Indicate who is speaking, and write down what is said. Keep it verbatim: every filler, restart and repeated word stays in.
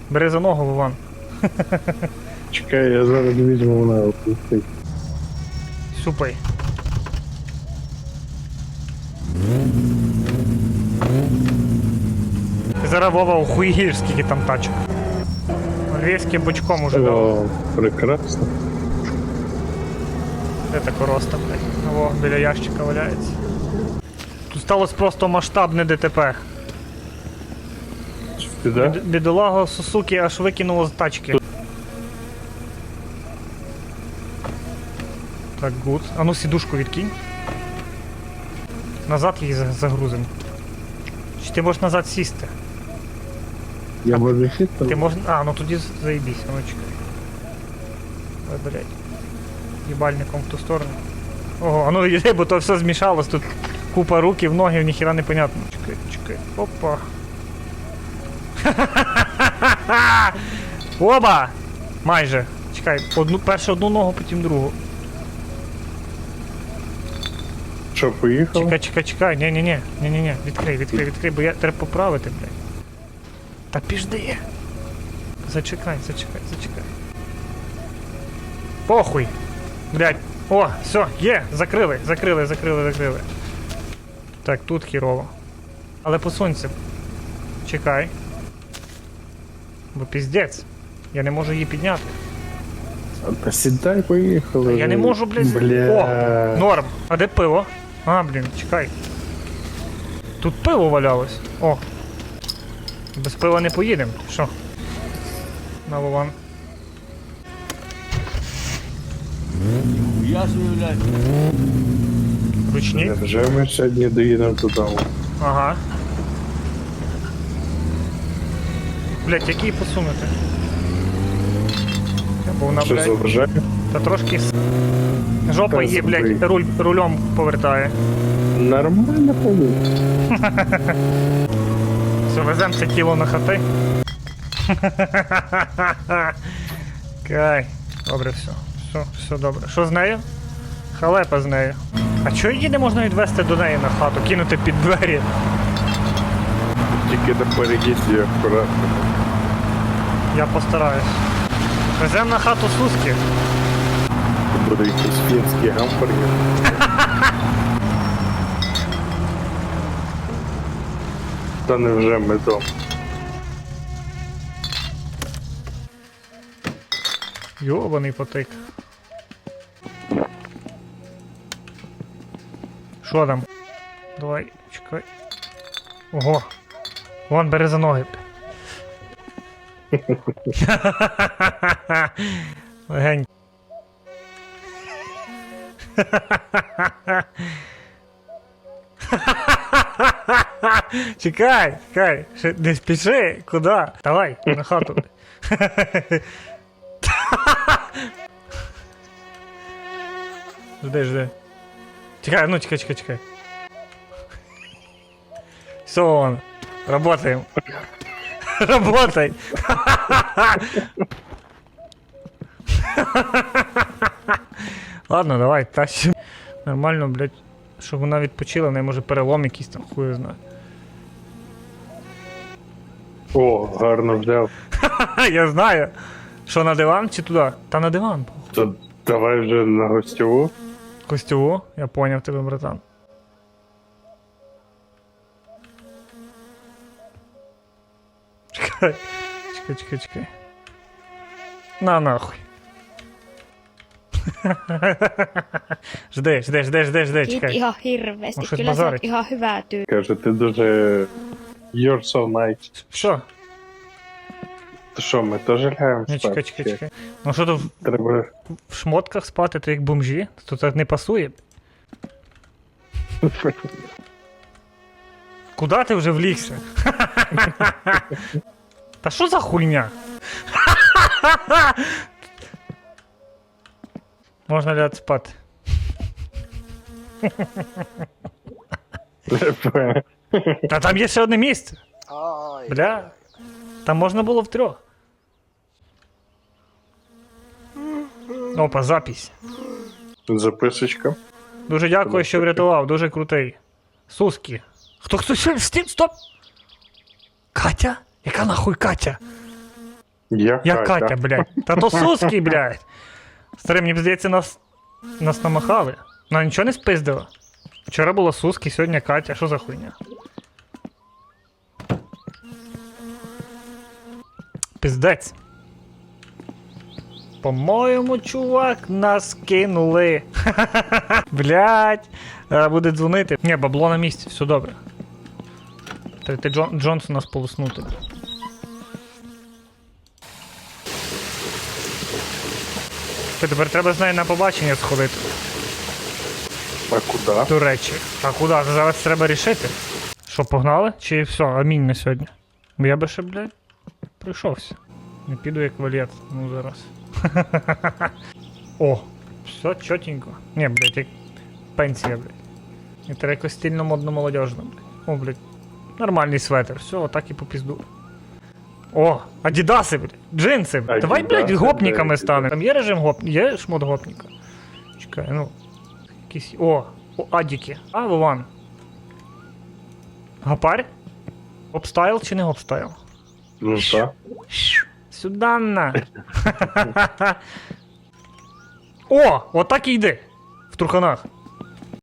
Speaker 1: Бери за ногу, Вован.
Speaker 2: Чекай, я зараз візьму вона опустить.
Speaker 1: Супай. Ти зараз, Вова, охуєш, скільки там тачок. Львівським бочком уже дав.
Speaker 2: О, прекрасно.
Speaker 1: Де та короста, блядь? О, біля ящика валяється. Тут сталося просто масштабне ДТП.
Speaker 2: Ти да?
Speaker 1: Бід- Бідолаго Сусуки аж викинуло з тачки. Так, гуд. А ну сідушку відкинь. Назад її за- загрузимо. Чи ти можеш назад сісти?
Speaker 2: Я можу сісти?
Speaker 1: Ти можеш... А, ну тоді заїбісь, а ну чекай. Ой, блядь. Їбальником в ту сторону. Ого, а ну йди, бо то все змішалось, тут купа руків, ноги, ніхіра не понятно. Чекай, чекай, опа. Оба! Майже. Чекай, одну, першу одну ногу, потім другу.
Speaker 2: Що, поїхав?
Speaker 1: Чекай, чекай, чекай, ні-ні-ні, ні-ні-ні, відкрий, відкрий, відкрий, бо я треба поправити, блядь. Та піжди. Зачекай, зачекай, зачекай. Похуй. Блядь. О, все, є, закрили, закрили, закрили, закрили. Так, тут хірово. Але посунься. Чекай. Бо піздець. Я не можу її підняти.
Speaker 2: Та сідай, поїхали.
Speaker 1: Я не можу, блядь.
Speaker 2: Бля.
Speaker 1: О, норм. А де пиво? А, блін, чекай. Тут пиво валялось. О. Без пива не поїдемо. Що? На Вован.
Speaker 3: Я собі, блядь.
Speaker 1: Ручні.
Speaker 2: Вже ми сьогодні доїдемо додому.
Speaker 1: Ага. Блять, який посунути? Бо вона,
Speaker 2: Що
Speaker 1: блядь,
Speaker 2: заважає?
Speaker 1: та трошки с- жопа
Speaker 2: Та
Speaker 1: її,
Speaker 2: забий.
Speaker 1: блядь, руль, рулем повертає.
Speaker 2: Нормально повинно.
Speaker 1: Все, везем це тіло на хати. Кай. Добре, все. Все, все добре. Що з нею? Халепа з нею. А чого її не можна відвести до неї на хату, кинути під двері?
Speaker 2: Тільки на переїзді акуратно.
Speaker 1: Я постараюсь. Везем на хату Суски.
Speaker 2: Буде якийсь фінський гамбургер. Та невже ми дома?
Speaker 1: Йобаний потик. Що там? Давай, чекай. Ого. Вон, бери за ноги. Легень. Чекай, чекай, ще не спіши, куди? Давай, на хату. Жди, жди. Чекай, ну чекай, чекай, чекай. Все, он. Работаем. Работай. Ладно, давай, тащи. Нормально, блядь, щоб вона відпочила, в неї може перелом якийсь там, хуй знає.
Speaker 2: О, гарно взяв.
Speaker 1: Я знаю. Що, на диван чи туди? Та на диван.
Speaker 2: То давай вже на гостьову.
Speaker 1: Костюву, я поняв тебе, братан. Чекай, чекай, чекай, чекай. На нахуй. Жди, жди, жди, жди, жди,
Speaker 4: Kiit
Speaker 1: чекай.
Speaker 4: ihan hirveästi.
Speaker 1: Onko se
Speaker 4: Kyllä sä
Speaker 1: basarit?
Speaker 4: oot ihan hyvää tyyppiä.
Speaker 2: Каже, ти дуже... You're so nice.
Speaker 1: Що?
Speaker 2: То що, ми теж лягаємо
Speaker 1: Ні, чекай, чекай,
Speaker 2: спати?
Speaker 1: чекай. Ну що то в,
Speaker 2: Треба...
Speaker 1: в шмотках спати, то як бомжі? То так не пасує. Куда ти вже влігся? Та що за хуйня? Можна лягати спати. Та там є ще одне місце. Бля. Там можна було втрьох. Опа, запись.
Speaker 2: Записочка.
Speaker 1: Дуже дякую, що врятував, дуже крутий. Суски. Хто хто ще? Стіп, стоп! Катя? Яка нахуй Катя?
Speaker 2: Я,
Speaker 1: Я Катя, блядь. Та то Суски, блядь. Старий, мені здається, нас, нас намахали. Вона нічого не спиздила. Вчора була Суски, сьогодні Катя. Що за хуйня? Пиздець. По-моєму, чувак, нас кинули. Блядь. Е, Буде дзвонити. Ні, бабло на місці, все добре. Треба Джон, Джонсона сполоснути. Ти тепер треба з нею на побачення сходити.
Speaker 2: А куди?
Speaker 1: До речі. А куди? Зараз треба рішити. Що, погнали? Чи все, амінь на сьогодні? Бо я би ще, блядь, прийшовся. Не піду як валет. Ну зараз. О, все чотенько. Ні, блядь, як пенсія, блядь. І треба якось стильно модно молодежно, блядь. О, блядь. Нормальний светр. Все, отак і по пізду. О, адідаси, блядь. Джинси. Давай, блядь,
Speaker 2: Адідаси,
Speaker 1: гопниками
Speaker 2: блядь.
Speaker 1: станемо. Там є режим гоп... Є шмот гопніка? Чекай, ну. Якісь. О, о, адіки. А, Вован. Гапарь? Гопстайл чи не гопстайл?
Speaker 2: Ну так.
Speaker 1: Сюда на. О, отак і йди. В труханах.